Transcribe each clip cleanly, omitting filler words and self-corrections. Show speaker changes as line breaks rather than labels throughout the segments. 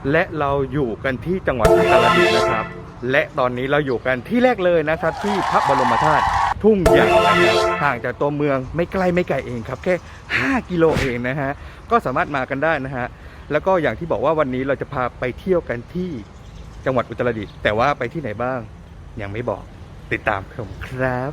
และเราอยู่กันที่จังหวัดอุตรดิตถ์นะครับและตอนนี้เราอยู่กันที่แรกเลยนะครับที่พระบรมธาตุทุ่งใหญ่นะครับห่างจากตัวเมืองไม่ไกลเองครับแค่5 กิโลเองนะฮะก็สามารถมากันได้นะฮะแล้วก็อย่างที่บอกว่าวันนี้เราจะพาไปเที่ยวกันที่จังหวัดอุตรดิตถ์แต่ว่าไปที่ไหนบ้างยังไม่บอกติดตามผมครับ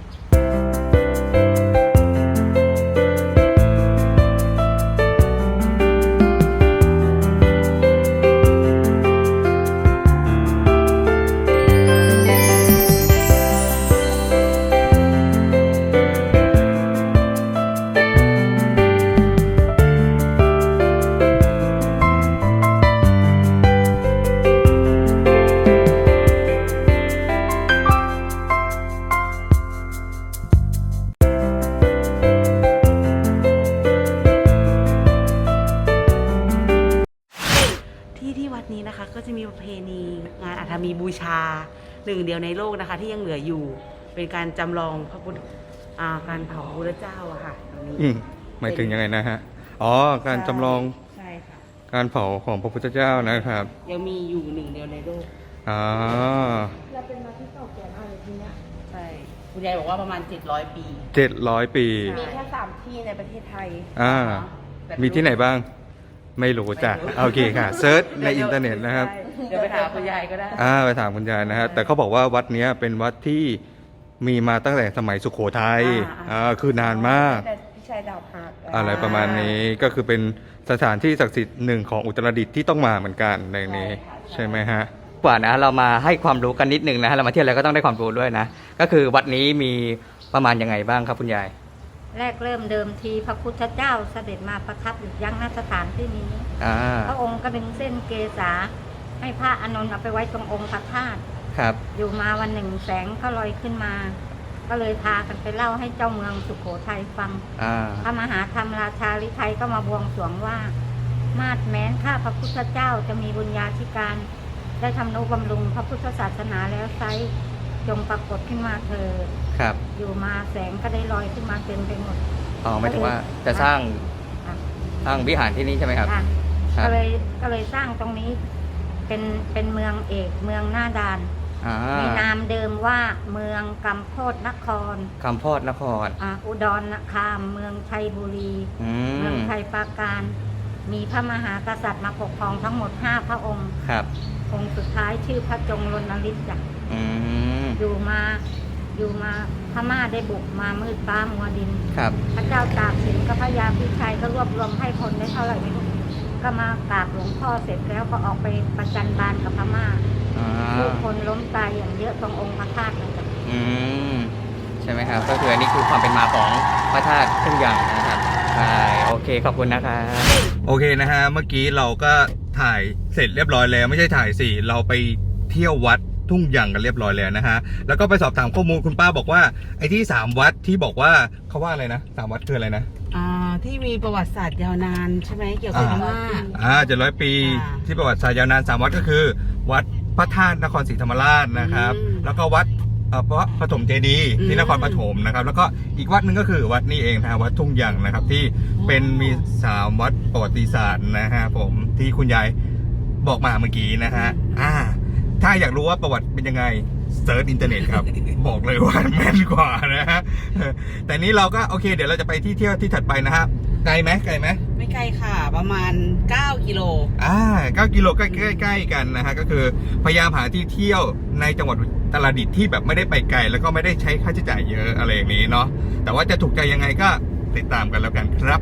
ที่วัดนี้นะคะก็จะมีประเพณีงานอัฐมีบูชาหนึ่งเดียวในโลกนะคะที่ยังเหลืออยู่เป็นการจำลองพระพุทธการเผาพระพุทธเจ้าอะค่ะตรงนี้
หมายถึงยังไงนะฮะอ๋อการจำลอง
ใช่ค่ะ
การเผาของพระพุทธเจ้านะครับ
ยังมีอยู่หนึ่งเดียวในโลก
เราเป็นมาที่เก่าแก่มากเลยที่เนี้ย
ใช่คุณยายบอกว่าประมาณ700 ปี
700 ปี
มีแค่3 ที่ในประเทศไทย
มีที่ไหนบ้างไม่รู้จ้ะโอเคค่ะเซิร์ชในอินเทอร์เน็ตนะครับ
เดี๋ยวไปถามคุณยายก็ได้
ไปถามคุณยายนะฮะแต่เขาบอกว่าวัดนี้เป็นวัดที่มีมาตั้งแต่สมัยสุโขทัยคือนานมาก
พี่ชายดาวพัก
อะไรประมาณนี้ก็คือเป็นสถานที่ศักดิ์สิทธิ์หนึ่งของอุตรดิตถ์ที่ต้องมาเหมือนกันในนี้ใช่ไหมฮะกว่านะเรามาให้ความรู้กันนิดนึงนะฮะเรามาเที่ยวแล้วก็ต้องได้ความรู้ด้วยนะก็คือวัดนี้มีประมาณยังไงบ้างครับคุณยาย
แรกเริ่มเดิมทีพระพุทธเจ้าเสด็จมาประทับอยู่ยังณสถานที่นี้พระองค์ก็ดึงเส้นเกษาให้พระอานนท์เอาไปไว้ตรงองค์พระธาตุ
ครับ
อยู่มาวันหนึ่งแสงก็ลอยขึ้นมาก็เลยพากันไปเล่าให้เจ้าเมืองสุโขทัยฟังพระมหาธรรมราชาฤทัยก็มาบวงสรวงว่ามาดแม้นข้าพระพุทธเจ้าจะมีบุญญาธิการได้ทำนุบำรุงพระพุทธศาสนาแล้วไซจงปรากฏขึ้นมาเถิด
ครับ
อยู่มาแสงก็ได้ลอยขึ้นมาเต็มไปหมด
หมายถึงว่าจะสร้างวิหารที่นี้ใช่ไหมครับ
ก็เลยสร้างตรงนี้เป็นเมืองเอกเมืองหน้าด่านมีนามเดิมว่าเมืองกำโพดนครอุดรนครเมืองชัยบุรีเมืองชัยปราการมีพระมหากษัตริย์มาปกครองทั้งหมด5 พระองค์
ครับ
องค์สุดท้ายชื่อพระจงรณฤทธิ์จ้ะอยู่มาพม่าได้บุกมามืดฟ้ามัวดินพระเจ้าตากสินกับพระยาพิชัยก็รวบรวมให้คนได้เท่าไหร่ไม่รู้ก็มากราบหลวงพ่อเสร็จแล้วก็ออกไปประจันบานกับพม่าผู้คนล้มตายอย่างเยอะตรงองค์พระธาตุนั่นแหละ
ใช่ไหมครับก็คืออันนี้คือความเป็นมาของพระธาตุทุ่งใหญ่นะครับใช่โอเคขอบคุณนะครับโอเคนะฮะเมื่อกี้เราก็ถ่ายเสร็จเรียบร้อยแล้วไม่ใช่ถ่ายสิเราไปเที่ยววัดทุ่งใหญ่กันเรียบร้อยแล้วนะฮะแล้วก็ไปสอบถามข้อมูลคุณป้าบอกว่าไอ้ที่3 วัดที่บอกว่าเขาว่าอะไรนะ3 วัดคืออะไรนะ
ที่มีประวัติศาสตร์ยาวนานใช่ไหมเกี่ยวกับพม่า
700 ปีที่ประวัติศาสตร์ยาวนาน3 วัดก็คือวัดพระธาตุนครศรีธรรมราชนะครับแล้วก็วัดพระปฐมเจดีย์ที่นครปฐมนะครับแล้วก็อีกวัดหนึ่งก็คือวัดนี้เองนะวัดทุ่งใหญ่นะครับที่เป็นมี3 วัดประวัติศาสตร์นะฮะผมที่คุณยายบอกมาเมื่อกี้นะฮะถ้าอยากรู้ว่าประวัติเป็นยังไงเซิร์ชอินเทอร์เน็ตครับ บอกเลยว่าแม่นกว่านะฮะแต่นี้เราก็โอเคเดี๋ยวเราจะไปที่เที่ยวที่ถัดไปนะฮะไกลไหม
ไม่ไกลค่ะประมาณ9 กิโล
9 กิโลใกล้ๆกันนะฮะก็คือพยายามหาที่เที่ยวในจังหวัดอุตรดิตถ์ที่แบบไม่ได้ไปไกลแล้วก็ไม่ได้ใช้ค่าใช้จ่ายเยอะอะไรอย่างนี้เนาะแต่ว่าจะถูกใจยังไงก็ติดตามกันแล้วกันครับ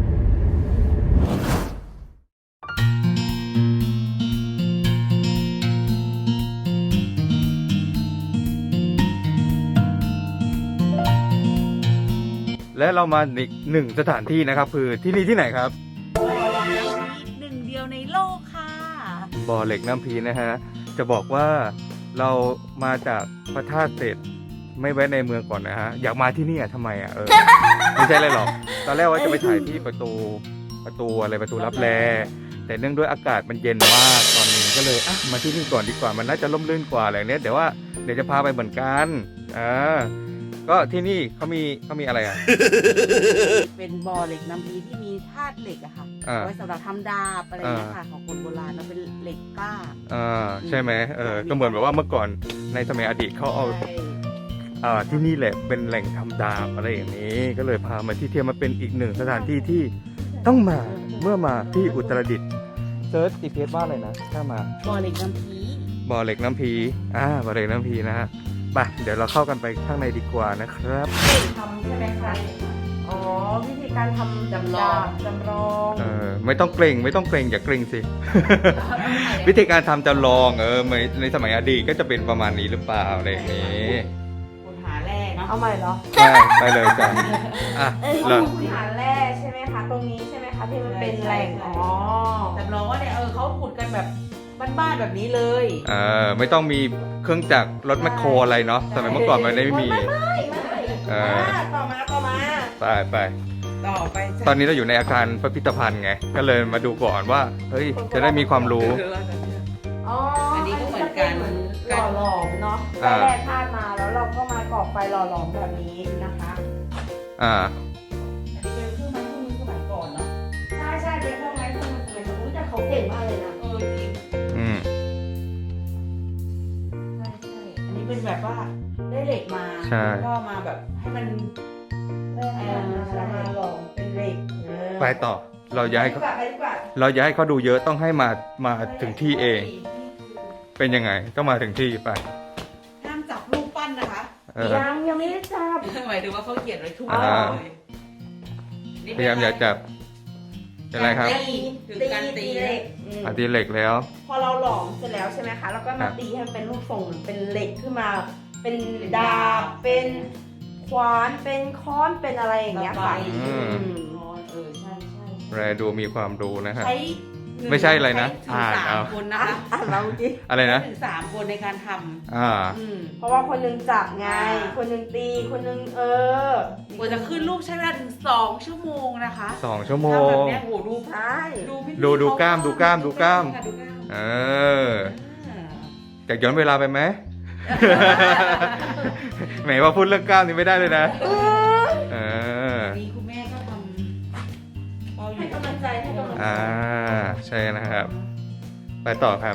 และเรามาอีก1 สถานที่นะครับคือที่นี่ที่ไหนครับ
บ่อเหล็กน้ำพีหนึ่งเดียวในโลกค่ะ
บ่อเหล็กน้ำพีนะฮะจะบอกว่าเรามาจากพระธาตุเสร็จไม่แวะในเมืองก่อนนะฮะอยากมาที่นี่ทำไมไม่ใช่อะไรหรอกตอนแรกว่าจะไปถ่ายที่ประตูรับแลแต่เนื่องด้วยอากาศมันเย็นมากตอนนี้ก็เลยมาที่นี่ก่อนดีกว่ามันน่าจะร่มรื่นกว่าอะไรเนี้ยเดี๋ยวจะพาไปเหมือนกันก็ที่นี่เขามีอะไร
เป็นบ่อเหล็กน้ำพีที่มีธาตุเหล็กอะค่ะไว้สำหรับทำดาบอะไรเงี้ยค่ะของคนโบราณแล้วเป็นเหล็กเหล็กกล้า
ใช่ไหมก็เหมือนแบบว่าเมื่อก่อนในสมัยอดีตเขาเอา
ใช่
ที่นี่แหละเป็นแหล่งทำดาบอะไรอย่างนี้ ก็เลยพามาที่เทียมมาเป็นอีกหนึ่งสถานที่ที่ต้องมาเมื่อมาที่อุตรดิตถ์เซิร์ชจีพีเอสว่าอะไรนะถ้ามา
บ่อเหล็กน้ำพี
บ่อเหล็กน้ำพีบ่อเหล็กน้ำพีนะฮะไปเดี๋ยวเราเข้ากันไปข้างในดีกว่านะครับ
ทำใช่ไหมคะอ๋อวิธีการทำ
จำลอง
จำลอง
ไม่ต้องเกรงอย่าเกรงสิ วิธีการทำจำลองในสมัยอดีตก็จะเป็นประมาณนี้หรือเปล่าอะไรอย่างนี้
คุณหาแร่เนาะ
เอาใหม่เหรอ
ใช่ไปเลยจ้ะเรา
คุณหาแร่ใช่ไหมคะ ตรงนี้ใช่ไหมคะที่มันเป็นแหล่ง อ๋อ
จำลองว่าเนี่ยเขาขุดกันแบบบ้านๆแบบนี้เลย
ไม่ต้องมีเครื่องจักรรถแมคโครอะไรเนาะสมัยเมื่อก่อนมันไม่มี
ต่อมา
ไป
ต่อไปจ้ะ
ตอนนี้เราอยู่ในอาคารพิพิธภัณฑ์ไงก็เลยมาดูก่อนว่าเฮ้ยจะได้มีความรู้
อ๋อ
อั
อั
นนี้ก็เหมือนกัน
หล่อหลอมเนาะได้แร่ธาตุมาแล้วเราก็มาก่อไฟหล่อหลอมแบบนี้นะคะ
อ่า
อันนี้เป็นเครื่องไม้เครื่องมือสมัยก่อนเนาะ
ใช่เป็นเครื่องไม้เครื่องมือสมัยก่อนแต่เขาเก่งมากเลยนะ
จริง
อืม
ใช่อันนี้เป็นแบบว่าได้เหล็กมา
ใช่
ก็มาแบบให้มัน
ได้มาหล่อมเป็นเหล็ก
ไปต่อเราอย่าให้เขา
ไปดีกว่า
เราอย่าให้เขาดูเยอะต้องให้มาถึงที่เอง เป็นยังไงก็มาถึงที่ไป
ห้ามจับรูปปั้นนะคะ
ยังไม่ได้จับ
หมายถึงว่าเขาเขียนไว้ทุก
อ่า
เลยนี่
พ
เป็น
ยายามอย่าจับอะไรครับ
ตีถึงการตี
เหล็ก
อาตีเหล็กแล้ว
พอเราหลอมเสร็จแล้วใช่ไหมคะ แล้วก็
ครั
มา
บ
ตีให้มันเป็นรูปทรงเป็นเหล็กขึ้นมา เป็นดาบ เป็นขวาน เป็นค้อน เป็นอะไรอย่างเงี้ยค่ะ
อืม
ใช่ใช่
แรดูมีความรู้นะฮะ
ใช้หนึ่ง
ไม่ใช่อะไรนะ
ใช้ถึง
อ่าน
สา
เอา
มคนนะคะ
เราดิ
อะไรนะ
ใช้ถึง3 คนในการท
อ่า
ำ
เพราะว่าคนหนึงจับไง
อ่า
คนหนึงตี คนหนึง
กว่าจะขึ้นรูปใช้เวลาถึง2 ชั่วโมงนะคะ
2 ชั่วโม
ทำแบ
ง
บเนี้ยโหดู
ใช่
พี่
ดูกล้ามดูกล้าม
ดูกล้าม
เอออยากย้อนเวลาไปไหม แหมว่าพูดเรื่องกล้ามนี่ไม่ได้เลยนะ เออ
นี่คุณแม่ก็ทำเราอ
ให้
ยู่
กำลังใจให้กำลังใจ
ใช่นะครับ ไปต่อครับ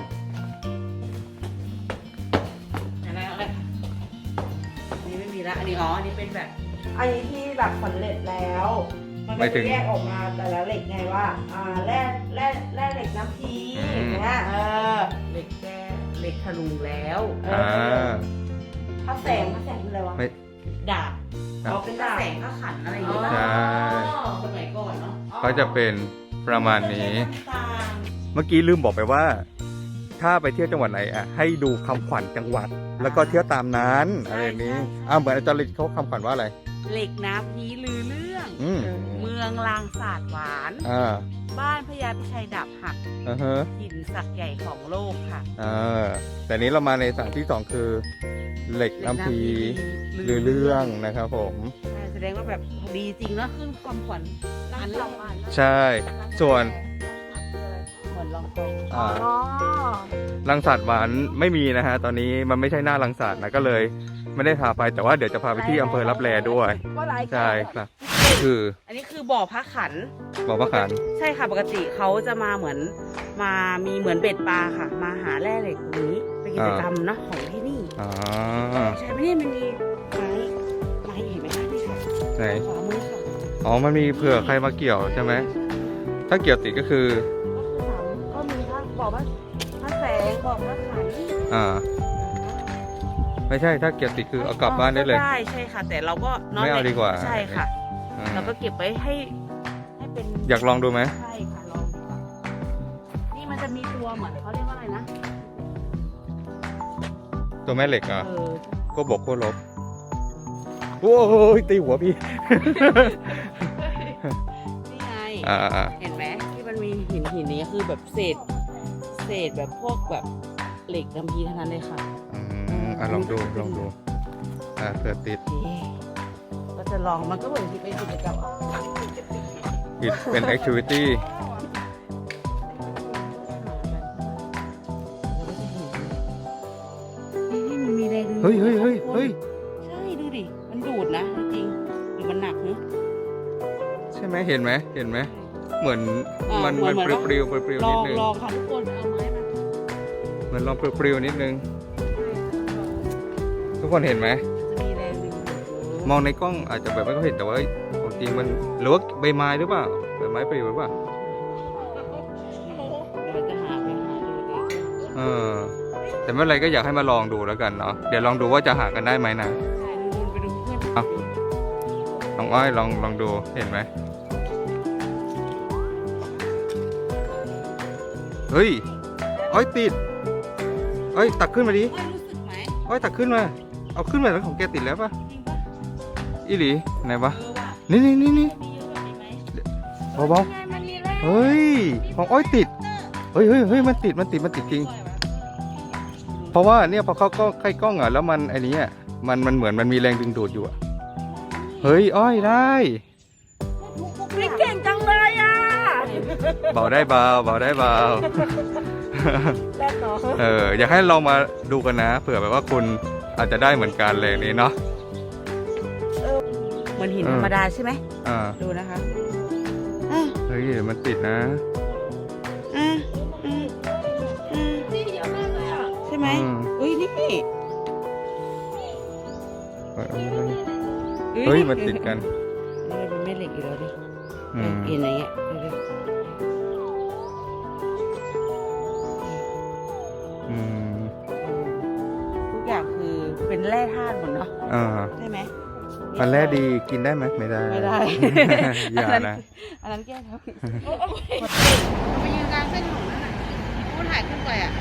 อะไรนี่ไม่มีละอันนี้อันนี้เป็นแบบ
อันนี้ที่แบบสำเร็จแล้ว มัน
หมา
ก็
ยถึ
จะ
ง
แยกออกมาแต่ละเหล็กไงว่าแร่เหล็กน้ำพี
อืม
อย่างเงี้ย
เหล็กแก้เหล็กถลุงแล้ว
อ่า
พระแสงคืออะไรวะ
ไม่
ดาบ
ครับ
เขาเป็นแสงก็ขันอะไรอย่างเงี้ย
ใช่
สมัยก่อนเนาะ
ก็จะเป็นประมาณนี้
ต่าง
เมื่อกี้ลืมบอกไปว่า ถ้าไปเที่ยวจังหวัดไหนให้ดูคำขวัญจังหวัด แล้วก็เที่ยวตามนั้นอะไรอย่างนี้เหมือนอาจารย์ลิศเขาคำขวัญว่าอะไร
เหล็กน้ำพีลือเรื่อง
อืม
เมืองลางศาสตร์หวาน
อ่า
บ้านพญาพิชัยดาบหัก
ฮะ
หินศักดิ์ใหญ่ของโลกค่ะ
แต่นี้เรามาในสถานที่สองคือ เหล็กน้ำพีหรือเรื่องนะครับผม
ใช่แสดงว่าแบบดีจริงแล้วขึ้นความขวัญอันละวัน
ใช่ ส่วน
เหมือนลองกอง
อ่ารังสรรค์หวานไม่มีนะฮะ ตอนนี้มันไม่ใช่หน้ารังสรรค์นะก็เลย ไม่ได้พาไปแต่ว่าเดี๋ยวจะพาไปที่อำเภอรับแลด้วย ใช่ครับ คือ
อันนี้คือบ่อพระขัน
บอกว่าขัน
ใช่ค่ะปกติเขาจะมาเหมือนมีเหมือนเบ็ดปลาค่ะ มาหาแร่เหล็กตรงนี้เป็นกิจกรรมเนอะของที่นี่
อ๋อ
ใช่ไหมเนี่ยมันมีไม้เห็นไหมคะนี่ค่ะ
ไหน
ขวามือค่ะ
อ๋อ มันมีเผื่อใครมาเกี่ยวใช่ไหม ถ้าเกี่ยวติดก็คือ
ก็มีทั้งบ่อพระแสงบ่อพระขัน
ไม่ใช่ ถ้าเกี่ยวติดคือเอากลับบ้านได้เลย
ได้ใช่ค่ะ แต่เราก็น
ไม่เอาดีกว่า
ใช่ค่ะ
อืม
เราก็เก็บไว้ให้เป็น
อยากลองดูไหม
ใช่ค่ะลองดูค่ะนี่มันจะมีตัวเหมือนเขาเรียกว่าอะไรนะ
ตัวแม่เหล็กอ่ะ
เ
ก็บอกโคลบโอ้ยตีหัวพี่
นี่ไง
อ่า
เห็นไหมที่มันมีหินนี้คือแบบเศษแบบพวกแบบเหล็กน้ำพีเท่านั้นเลยค่ะ
ลองดูเผื่อติด
ก็จะลองมันก็เหมือนที่เป็นกิจกรรม
ผิดเป็น activity
นี่มันมีแรงดึง
เฮ้ย
ใช่ดูดิมันดูดนะจริงหรือมันหนักเนอะ
ใช่ไหมเห็นไหม เหมือน
อ่า
มัน
เหมือน
ปลิวๆ
ล
นิ
อ
ด
ง
นึง
ลองค่ะทุกคนเอาไม้มา
เหมือนลองปลิวๆนิดนึง ทุกคนเห็นไหม
จะมีแรงดึงดูดอยู่
มองในกล้องอาจจะแบบไม่ค่อยเห็นแต่ว่าของจริงมันหรือว่าใบไม้หรือเปล่าใบไม้ปลิวหรือเปล่า
เราจะหาไปหาดูดิ
เออแต่ไม่เป็นไรก็อยากให้มาลองดูแล้วกันเนาะเดี๋ยวลองดูว่าจะหากันได้ไหมนะ
ใช่ดูไปดูเพื่อน
เอา น้องอ้อยลองดูเห็นไหมเฮ้ยอ้อยติดอ้อยตักขึ้นมาดิ
อ้อยรู้สึกไหม
อ้อยตักขึ้นมาเอาขึ้นมาแล้วของแกติดแล้วปะ
จริงปะ
อีหลีไหนวะ
เออว่ะ
นี่
มีเยอะกว่านี้ไหม
เบา
ไงมันมีแรง
ๆเฮ้ยของอ้อยติดเฮ้ยมันติดจริง เพราะว่าเนี่ยพอเข้ากล้องใกล้กล้องอ่ะแล้วมันไอ้นี้อ่ะมันเหมือนมันมีแรงดึงดูดอยู่อ่ะเฮ้ยอ้อยได้
พี่เก่งจังเลยอ่ะ
เบาได้เบาได้เบา
แล่นเนาะ
อยากให้ลองมาดูกันนะเผื่อแบบว่าคุณอาจจะได้เหมือนกันเลยนี้เนาะ
เหมือนหินธรรมดาใช่ไหม
อ่า
ดูนะคะ
เฮ้ยเดี๋ยวมันติดนะ
นี่เยอะมากเลยอ่ะ
ใช่ไหม
อืม
อุ้ยนี่
เฮ้ยมันติดกัน
นี่เป็นแม่เหล็กอยู่แล้วดิ
อืม
เอ็นอะไรเงี้ยดูดิ
อืม
ทุกอย่างคือเป็นแร่ธาตุหมดเนาะ
อ่า
ใช่ไหม
มันแร่ดีกินได้ไหมไม่ได้
ไม่ได้
อย่านะ
อันนั้นแก้ครับไปยืนกลางเส้นถนนนั่นน่ะพูดถ่ายขึ้นไปอ่ะ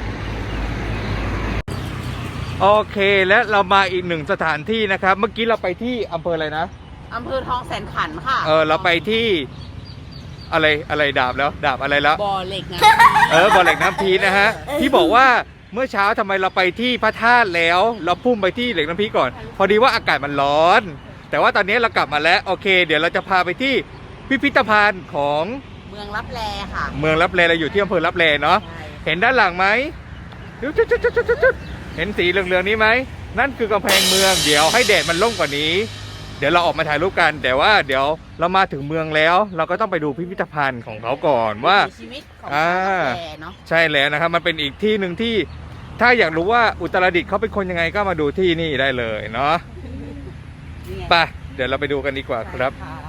โอเคและเรามาอีกหนึ่งสถานที่นะครับ เมื่อกี้เราไปที่อำเภออะไรนะ
อำเภอทองแสนขันธ์ค่ะ
เราไปที่อะไรดาบแล้วดาบอะไรแล้ว
บ่อเหล็กนะ
บ่อเหล็กน้ำพีนะฮะที่บอกว่าเมื่อเช้าทำไมเราไปที่พระธาตุแล้วเราพุ่งไปที่เหล็กน้ำพีก่อน พอดีว่าอากาศมันร้อน แต่ว่าตอนนี้เรากลับมาแล้วโอเค เดี๋ยวเราจะพาไปที่พิพิธภัณฑ์ของ
เมืองลับแลค่ะ
เมืองลับแลเราอยู่ที่อำเภอลับแลเนาะ
ใช่
เห็นด้านหลังไหมจุดเห็นสีเหลืองๆนี้ไหมนั่นคือกำแพงเมืองเดี๋ยวให้แดดมันร่มกว่านี้ เดี๋ยวเราออกมาถ่ายรูปกัน แต่ว่าเดี๋ยวเรามาถึงเมืองแล้ว เราก็ต้องไปดูพิพิธภัณฑ์ของเขาก่อนว่า
ชีวิตของ
อ่า
ชาวลับแลเนาะ
ใช่แล้วนะครับมันเป็นอีกที่หนึ่งที่ถ้าอยากรู้ว่าอุตรดิตถ์เขาเป็นคนยังไงก็มาดูที่นี่ได้เลยเนาะ
นี่ไง
ไปเดี๋ยวเราไปดูกันดีกว่าครับ
ใช่ะ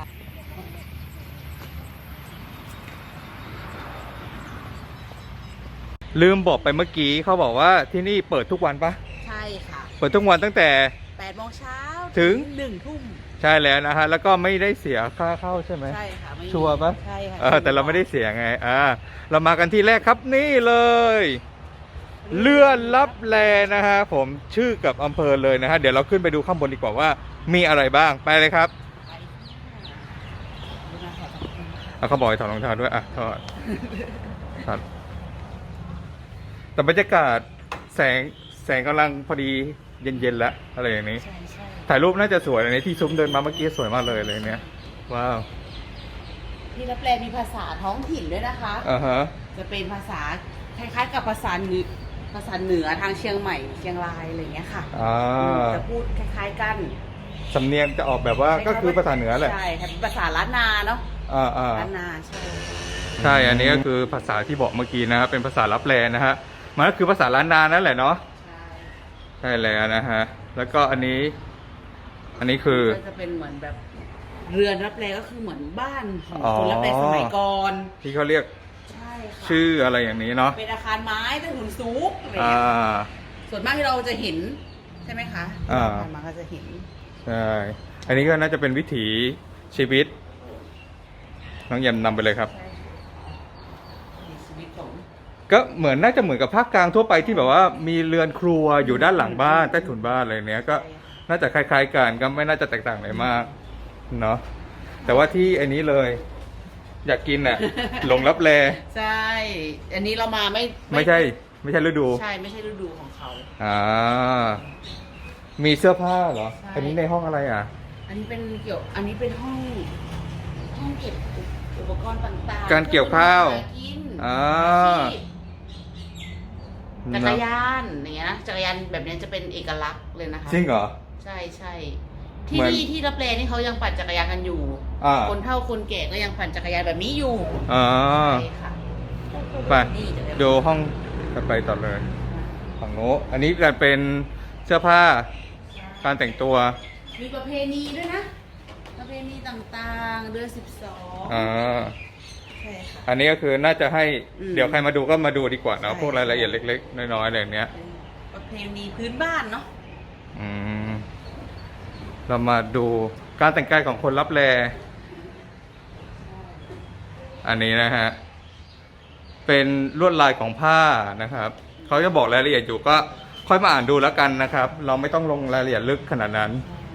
ลืมบอกไปเมื่อกี้เขาบอกว่าที่นี่เปิดทุกวันปะ
ใช่ค่ะ
เปิดทุกวันตั้งแต่
8 โมงเช้า
ถึง
1 ทุ่ม
ใช่แล้วนะฮะแล้วก็ไม่ได้เสียค่าเข้าใช่ไหม
ใช่ค่ะไม่มี
ชัวร์ปะ
ใช่ค่ะ
แต่เราไม่ได้เสียไงเรามากันที่แรกครับนี่เลยเลื่อนลับแลนะฮะผมชื่อกับอำเภอเลยนะฮะเดี๋ยวเราขึ้นไปดูข้างบนดีกว่าว่ามีอะไรบ้างไปเลยครับเขาบอกให้ถอดรองเท้าด้วยถอดแต่บรรยากาศแสงกำลังพอดีเย็นๆแล้วอะไรอย่างนี้
ใช่ใช่
ถ่ายรูปน่าจะสวยเลยที่ซุ้มเดินมาเมื่อกี้สวยมากเลยเลยเนี่ยว้าว
ที่ลับแลมีภาษาท้องถิ่นด้วยนะคะ
ฮะ
จะเป็นภาษาคล้ายๆกับภาษาเหนือทางเชียงใหม่เชียงรายอะไรอย่างเงี้ยค่ะจะพูดคล้ายๆกัน
สำเนียงจะออกแบบว่าก็คือภาษาเหนือแหละ
ใช่ค่ะเป็นภาษาล้านนาเนาะล้านนาใช่
ใช่อันนี้ก็คือภาษาที่บอกเมื่อกี้นะครับเป็นภาษาลับแลนะฮะมันก็คือภาษาล้านนานั่นแหละเนาะ
ใช่
ใช่แล้วนะฮะแล้วก็อันนี้คือ
ก็จะเป็นเหมือนแบบเรือนรับแลก็คือเหมือนบ้านของคนรับแลสมัยก่อน
ที่เขาเรียก
ใช่ค่ะ
ชื่ออะไรอย่างนี้เนาะ
เป็นอาคารไม้ใต้ถุนสูงอะไร
อ่า
เงี้ยส่วนมากที่เราจะเห็นใช่ไหมคะ
อ่า
ผ่านมาก็จะเห็น
ใช่อันนี้ก็น่าจะเป็นวิถีชีวิตน้องแยมนำไปเลยครับ
ใช่มีชีวิตของ
ก็น่าจะเหมือนกับภาคกลางทั่วไปที่แบบว่ามีเรือนครัวอยู่ด้านหลังบ้านใต้ถุนบ้านอะไรเนี้ยก็น่าจะคล้ายๆกันก็ไม่น่าจะแตกต่างอะไรมากเนาะแต่ว่าที่อันนี้เลย อยากกิน หลงลับแล
ใช่ อันนี้เรามา
ไม่ใช่ฤดู
ใช่ไม่ใช่ฤดูของเขา
มีเสื้อผ้าเหรอ
ใช่
อันนี้ในห้องอะไรอ่ะ
อันนี้เป็นอันนี้เป็นห้องเก็บอุปกรณ์ต่างๆ
การเกี่ยวข้าว
หกิน
อ่า
อาชีพจักรยานอย่างเงี้ยนะจักรยานแบบนี้จะเป็นเอกลักษณ์เลยนะคะ
จริงเหรอ
ใช่ใช่
เหมือน
ที่รับแลนี่เขายังปั่นจักรยานกันอยู่ คนเฒ่าคนแก่ก็ยังปั่นจักรยานแบบนี้อยู่
อ๋อ
ใช่ค่ะ
ไป
นี่จักรยาน
ดูห้องต่อไปต่อเลยฝั่งโน้นอันนี้จะเป็นเสื้อผ้าการแต่งตัว
มีประเพณีด้วยนะ ประเพณีต่างๆ เดือน12
อ่า
ใช่ค่ะ
อันนี้ก็คือน่าจะให้
อืม
เดี๋ยวใครมาดูก็มาดูดีกว่าเนาะ
ใช่
พวกรายละเอียดเล็กๆน้อยๆอะไรอย่างเนี้ย
เป็นประเพณีพื้นบ้านเนาะ
อืมเรามาดูการแต่งกายของคนรับแลอันนี้นะฮะเป็นลวดลายของผ้านะครับเขาจะบอกรายละเอียดอยู่ก็ค่อยมาอ่านดูแล้วกันนะครับ เราไม่ต้องลงรายละเอียดลึกขนาดนั้น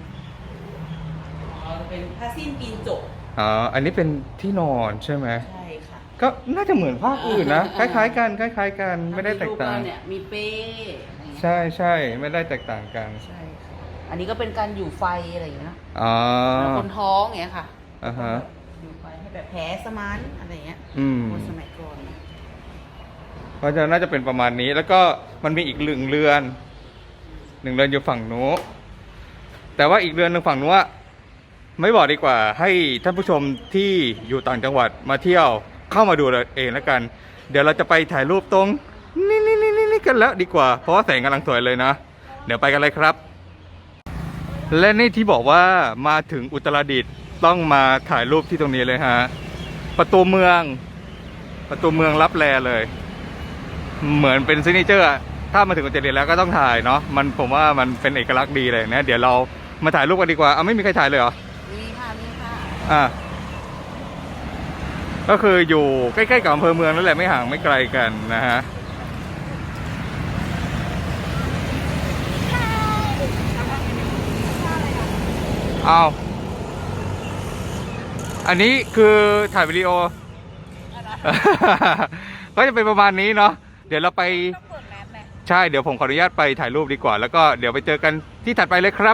เป็นผ้าสิ้นปีนจก
อ๋ออันนี้เป็นที่นอนใช่ไหม
ใช่ค่ะ
ก็น่าจะเหมือนภาคอื่นนะค
อ่า
ล้ายๆกันคล้ายๆกันไม่ได้แตกต่าง
รูปเรเนี่ยมีเป้อะไรเงี้ย
ใช่ใช่ไม่ได้แตกต่างกัน
ใช่ค่ะอันนี้ก็เป็นการอยู่ไฟอะไรอย่างเงี้ยนะ
อ๋อ
แล้วคนท้องอย่างเงี้ยค่ะ
อ่าฮะ
อยู่ไฟให้แบบแผลสมานอะไรเงี้ย
อืม
คนสมัยก่อนนะ
เพราะฉะนั้นน่าจะเป็นประมาณนี้ แล้วก็มันมีอีกหนึ่งเรือนอยู่ฝั่งนู้นแต่ว่าอีกเรือนหนึ่งฝั่งนู้นไม่บอกดีกว่า ให้ท่านผู้ชมที่อยู่ต่างจังหวัดมาเที่ยวเข้ามาดูเองแล้วกัน เดี๋ยวเราจะไปถ่ายรูปตรงนี่กันแล้วดีกว่า เพราะว่าแสงกำลังสวยเลยนะ เดี๋ยวไปกันเลยครับ และนี่ที่บอกว่ามาถึงอุตรดิตถ์ต้องมาถ่ายรูปที่ตรงนี้เลยฮะประตูเมืองรับแลเลย เหมือนเป็นซิกเนเจอร์อะถ้ามาถึงอุตรดิตถ์แล้วก็ต้องถ่ายเนาะผมว่ามันเป็นเอกลักษณ์ดีเลยนะเดี๋ยวเรามาถ่ายรูปกันดีกว่าไม่มีใครถ่ายเลยเหรอ
นี่ค่ะนี่ค่ะ
อ่ะก็คืออยู่ใกล้ๆกับอำเภอเมืองนั่นแหละไม่ห่างไม่ไกลกันนะฮะเอาอันนี้คือถ่ายวิดีโอ ก็จะเป็นประมาณนี้เนาะเดี๋ยวเราไปใช่เดี๋ยวผมขออนุญาตไปถ่ายรูปดีกว่าแล้วก็เดี๋ยวไปเจอกันที่ถัดไปเลยครับ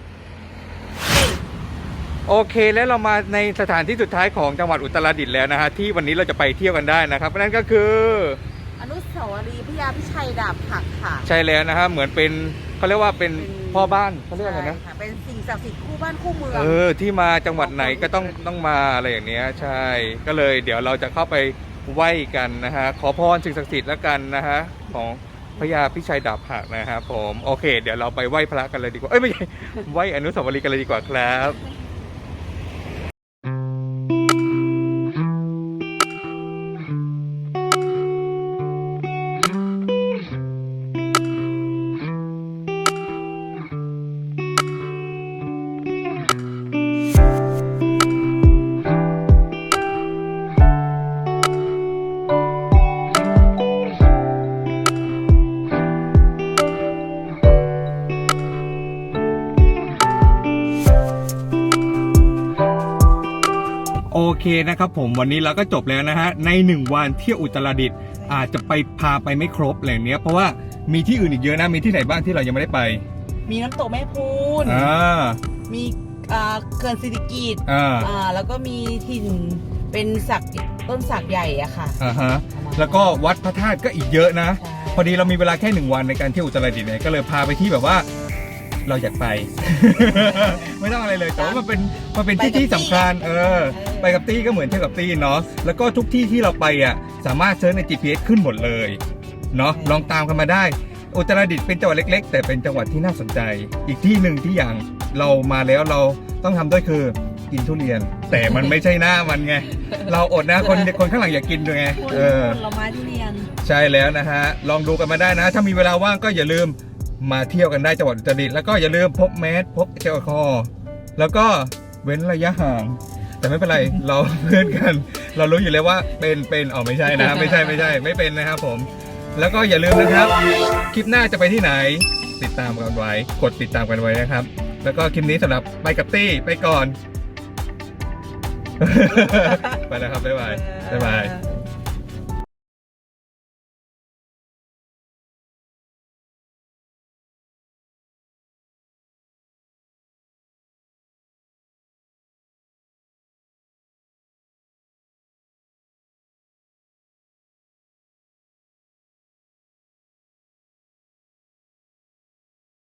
โอเคแล้วเรามาในสถานที่สุดท้ายของจังหวัดอุตรดิตถ์แล้วนะฮะที่วันนี้เราจะไปเที่ยวกันได้นะครับนั่นก็คือ
อนุสาวรีย์พระยาพิชัยดาบหักค่ะ
ใช่แล้วนะฮะเหมือนเป็นเขาเรียกว่าเป็นพ่อบ้านเขาเรียกว่าอะไรนะ
ใช่ค่ะเป็นสิ่งศักดิ์สิทธิ์คู่บ้านคู่เมือง
ที่มาจังหวัดไหนก็ต้องมาอะไรอย่างเนี้ยใช่ก็เลยเดี๋ยวเราจะเข้าไปไหว้กันนะฮะขอพรสิ่งศักดิ์สิทธิ์แล้วกันนะฮะของพระยาพิชัยดาบหักนะครับผมโอเค เดี๋ยวเราไปไหว้พระกันเลยดีกว่าไม่ใช่ไหว้อนุสาวรีย์กันเลยดีกว่าครับ โอเคนะครับผมวันนี้เราก็จบแล้วนะฮะใน1วันเที่ยวอุตรดิตถ์อาจจะพาไปไม่ครบอะไรเนี้ยเพราะว่ามีที่อื่นอีกเยอะนะมีที่ไหนบ้างที่เรายังไม่ได้ไป
มีน้ำตกแม่พูน มีเขื่อนสิริกิติ์แล้วก็มีถิ่นเป็นสักต้นสักใหญ่อะค่ะ
ฮะแล้วก็วัดพระธาตุก็อีกเยอะนะ
ใช่
พอดีเรามีเวลาแค่1วันในการเที่ยวอุตรดิตถ์เนี่ยก็เลยพาไปที่แบบว่าเราอยากไป ไม่ต้องอะไรเลยแต่ว่ามันเป็นที่สำคัญไปกับตี้ก็เหมือนเที่ยวกับตี้เนาะแล้วก็ทุกที่ที่เราไปอ่ะสามารถเซิร์ชใน GPS ขึ้นหมดเลยเนาะลองตามกันมาได้อุตรดิตถ์เป็นจังหวัดเล็กๆแต่เป็นจังหวัดที่น่าสนใจอีกที่หนึ่งที่อย่างเรามาแล้วเราต้องทำด้วยคือกินทุเรียน แต่มันไม่ใช่หน้ามันไงเราอดนะคนข้างหลังอยากกินด้วยไง
ผลไม้ทุเรียน
ใช่แล้วนะฮะลองดูกันมาได้นะถ้ามีเวลาว่างก็อย่าลืมมาเที่ยวกันได้จังหวัดอุตรดิตถ์แล้วก็อย่าลืมพกแมสพกแอลกอฮอล์แล้วก็เว้นระยะห่างแต่ไม่เป็นไร เราเพื่อนกัน เรารู้อยู่แล้วว่าเป็นไม่ใช่นะไม่เป็นนะครับผมแล้วก็อย่าลืมนะครับคลิปหน้าจะไปที่ไหนติดตามกันไว้กดติดตามกันไว้นะครับแล้วก็คลิปนี้สำหรับไปกับตี้ไปก่อน ไปแล้วครับบ๊ายบาย